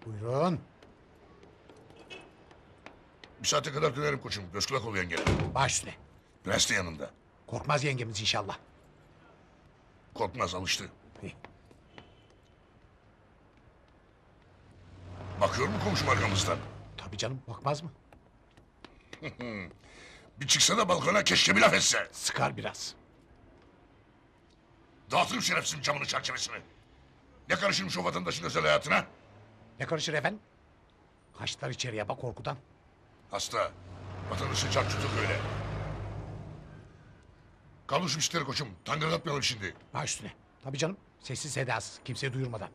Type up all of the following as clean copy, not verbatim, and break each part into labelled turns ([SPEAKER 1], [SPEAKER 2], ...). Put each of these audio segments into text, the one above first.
[SPEAKER 1] Buyurun.
[SPEAKER 2] Bir saate kadar dönerim koçum. Göz kulak ol yengene.
[SPEAKER 1] Baş üstüne.
[SPEAKER 2] Prens de yanında.
[SPEAKER 1] Korkmaz yengemiz inşallah.
[SPEAKER 2] Korkmaz, alıştı.
[SPEAKER 1] İyi.
[SPEAKER 2] Bakıyor mu komşum arkamızdan?
[SPEAKER 1] Tabii canım, bakmaz mı?
[SPEAKER 2] Bir çıksa da balkona, keşke bir laf etse.
[SPEAKER 1] Sıkar biraz.
[SPEAKER 2] Dağıtırım şerefsizin camını çerçevesini. Ne karışırmış o vatandaşın özel hayatına?
[SPEAKER 1] Ne karışır efendim? Kaçtılar içeriye bak korkudan.
[SPEAKER 2] Hasta. Vatandaşı çarçutuk öyle. Kaldır şu işleri koçum. Tangırdatmayalım şimdi.
[SPEAKER 1] Baş üstüne. Tabii canım, sessiz sedasız, kimseye duyurmadan.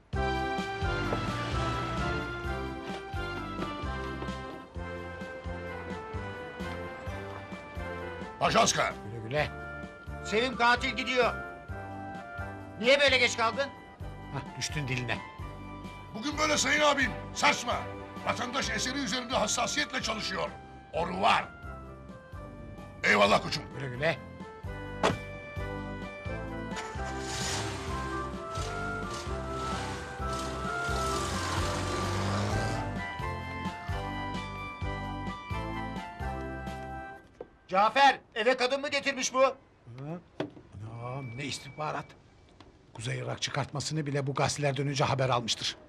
[SPEAKER 2] Ajanska.
[SPEAKER 1] Güle güle.
[SPEAKER 3] Sevim katil gidiyor. Niye böyle geç kaldın?
[SPEAKER 1] Hah, düştün diline.
[SPEAKER 2] Bugün böyle sayın abim. Saçma. Vatandaş eseri üzerinde hassasiyetle çalışıyor. Oru var. Eyvallah koçum.
[SPEAKER 1] Güle güle.
[SPEAKER 3] Cafer, eve kadın mı getirmiş bu?
[SPEAKER 1] Ha? Anam, ne istihbarat. Kuzey Irak çıkartmasını bile bu gazetelerden önce haber almıştır.